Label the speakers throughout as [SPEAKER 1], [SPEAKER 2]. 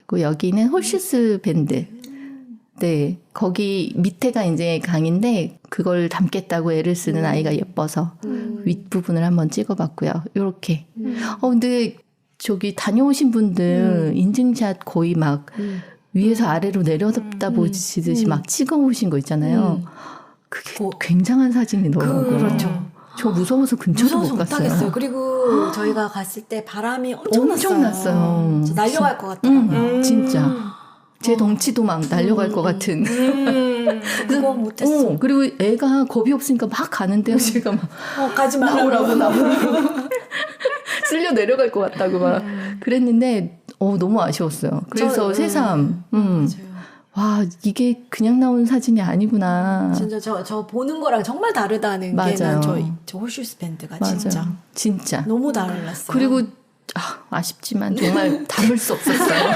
[SPEAKER 1] 그 여기는 홀슈스 밴드. 네, 거기 밑에가 이제 강인데 그걸 담겠다고 애를 쓰는 아이가 예뻐서 윗부분을 한번 찍어봤고요. 요렇게. 근데 저기 다녀오신 분들 인증샷 거의 막 위에서 아래로 내려다 보시듯이 막 찍어오신 거 있잖아요. 그게 굉장한 사진이더라고요.
[SPEAKER 2] 그렇죠.
[SPEAKER 1] 저 무서워서 근처도 못 갔어요.
[SPEAKER 2] 못하겠어요. 그리고 저희가 갔을 때 바람이
[SPEAKER 1] 엄청 났어요.
[SPEAKER 2] 날려갈 것 같더라고요.
[SPEAKER 1] 진짜. 제 덩치도 막 날려갈 것 같은.
[SPEAKER 2] 그거 못했어.
[SPEAKER 1] 그리고 애가 겁이 없으니까 막 가는데요. 제가 막
[SPEAKER 2] 가지 말라고.
[SPEAKER 1] 나오라고. 쓸려 내려갈 것 같다고 막 그랬는데 너무 아쉬웠어요. 그래서 새삼
[SPEAKER 2] 맞아요.
[SPEAKER 1] 와 이게 그냥 나온 사진이 아니구나.
[SPEAKER 2] 진짜 저 보는 거랑 정말 다르다는 게 난 저 홀슈스 밴드가
[SPEAKER 1] 맞아요. 진짜
[SPEAKER 2] 너무 달랐어요.
[SPEAKER 1] 그리고 아쉽지만 정말 담을 수 없었어요.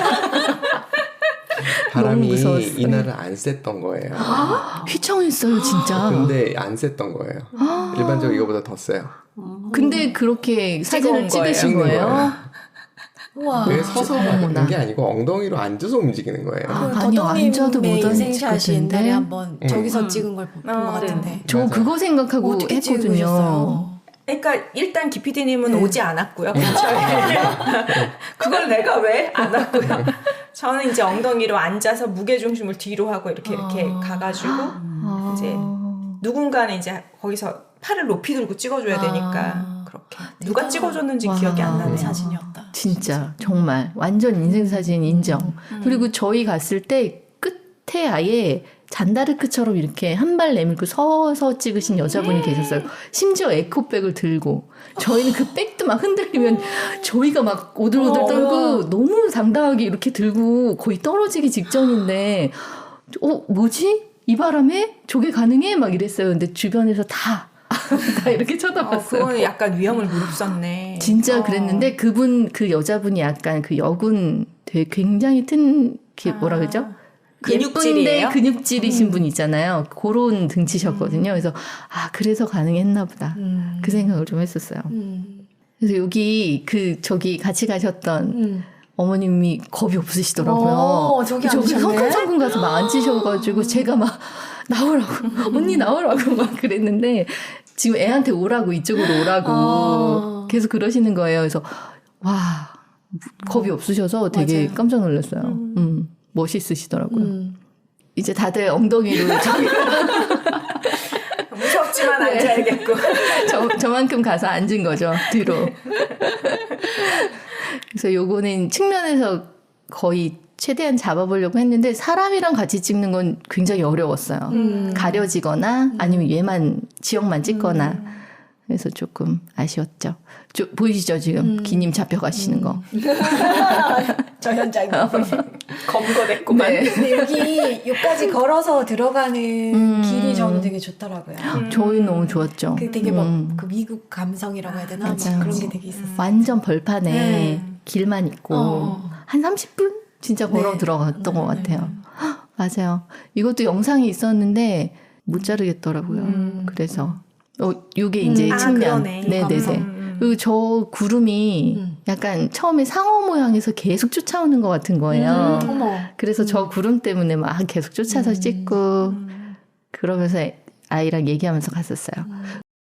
[SPEAKER 3] 바람이
[SPEAKER 1] 무서웠어요.
[SPEAKER 3] 이날은 안 셌던 거예요.
[SPEAKER 1] 휘청했어요 진짜.
[SPEAKER 3] 근데 안 셌던 거예요. 일반적으로 이거보다 더 세요.
[SPEAKER 1] 근데 그렇게 사진을 찍으신 거예요?
[SPEAKER 2] 우와.
[SPEAKER 3] 왜 서서 가는 게 아니고 엉덩이로 앉아서 움직이는 거예요.
[SPEAKER 1] 아니요, 앉아도 못
[SPEAKER 2] 인생샷이
[SPEAKER 1] 앉을
[SPEAKER 2] 옛날에
[SPEAKER 1] 텐데.
[SPEAKER 2] 한번 저기서 찍은 걸 본 것 같은데.
[SPEAKER 1] 저
[SPEAKER 3] 맞아요.
[SPEAKER 1] 그거 생각하고
[SPEAKER 2] 어떻게
[SPEAKER 1] 했거든요.
[SPEAKER 2] 찍으셨어요?
[SPEAKER 4] 그러니까 일단 기피디님은 오지 않았고요. 근처에. 그걸 내가 왜 안 왔고요. 저는 이제 엉덩이로 앉아서 무게 중심을 뒤로 하고 이렇게 가가지고 이제 누군가는 이제 거기서 팔을 높이 들고 찍어줘야 되니까 그렇게 누가 찍어줬는지 기억이 안 나네요.
[SPEAKER 2] 사진이었다.
[SPEAKER 1] 진짜 정말 완전 인생사진 인정. 그리고 저희 갔을 때 끝에 아예 잔다르크처럼 이렇게 한 발 내밀고 서서 찍으신 여자분이 계셨어요. 심지어 에코백을 들고 저희는 그 백도 막 흔들리면 저희가 막 오들오들 떨고 너무 당당하게 이렇게 들고 거의 떨어지기 직전인데 뭐지? 이 바람에 저게 가능해? 막 이랬어요. 근데 주변에서 다 이렇게 쳐다봤어요.
[SPEAKER 4] 그거는 약간 위험을 무릅썼네.
[SPEAKER 1] 진짜 그랬는데 그 여자분이 약간 그 여군 되게 굉장히 뭐라 그러죠?
[SPEAKER 4] 근육질이에요?
[SPEAKER 1] 예쁜데 근육질이신 분 있잖아요. 그런 등치셨거든요. 그래서 그래서 가능했나 보다. 그 생각을 좀 했었어요. 그래서 여기 저기 같이 가셨던 어머님이 겁이 없으시더라고요.
[SPEAKER 2] 저기
[SPEAKER 1] 성큼성큼 가서 막 앉으셔가지고 제가 막 나오라고 언니 나오라고 막 그랬는데 지금 애한테 오라고 이쪽으로 오라고 계속 그러시는 거예요. 그래서 와 겁이 없으셔서 되게
[SPEAKER 2] 맞아요.
[SPEAKER 1] 깜짝 놀랐어요. 멋있으시더라고요. 이제 다들 엉덩이로
[SPEAKER 4] 무섭지만 앉아야겠고.
[SPEAKER 1] 저만큼 가서 앉은 거죠. 뒤로. 그래서 요거는 측면에서 거의 최대한 잡아보려고 했는데 사람이랑 같이 찍는 건 굉장히 어려웠어요. 가려지거나 아니면 얘만 지역만 찍거나 그래서 조금 아쉬웠죠. 보이시죠 지금 기님 잡혀가시는 거.
[SPEAKER 2] 저 현장에
[SPEAKER 4] 검거됐구만.
[SPEAKER 1] 네.
[SPEAKER 2] 근데 여기까지 걸어서 들어가는 길이 저는 되게 좋더라고요.
[SPEAKER 1] 저희 너무 좋았죠.
[SPEAKER 2] 그 되게 그 미국 감성이라고 해야 되나?
[SPEAKER 1] 맞아요.
[SPEAKER 2] 그런 게 되게 있었어요.
[SPEAKER 1] 완전 벌판에 길만 있고 한 30분 진짜 걸어 들어갔던 것 같아요. 맞아요. 이것도 영상이 있었는데 못 자르겠더라고요. 그래서 요게 이제 측면.
[SPEAKER 4] 그러네.
[SPEAKER 1] 네네네. 그리고 저 구름이 약간 처음에 상어 모양에서 계속 쫓아오는 것 같은 거예요.
[SPEAKER 2] 어머.
[SPEAKER 1] 그래서 저 구름 때문에 막 계속 쫓아서 찍고 그러면서 아이랑 얘기하면서 갔었어요.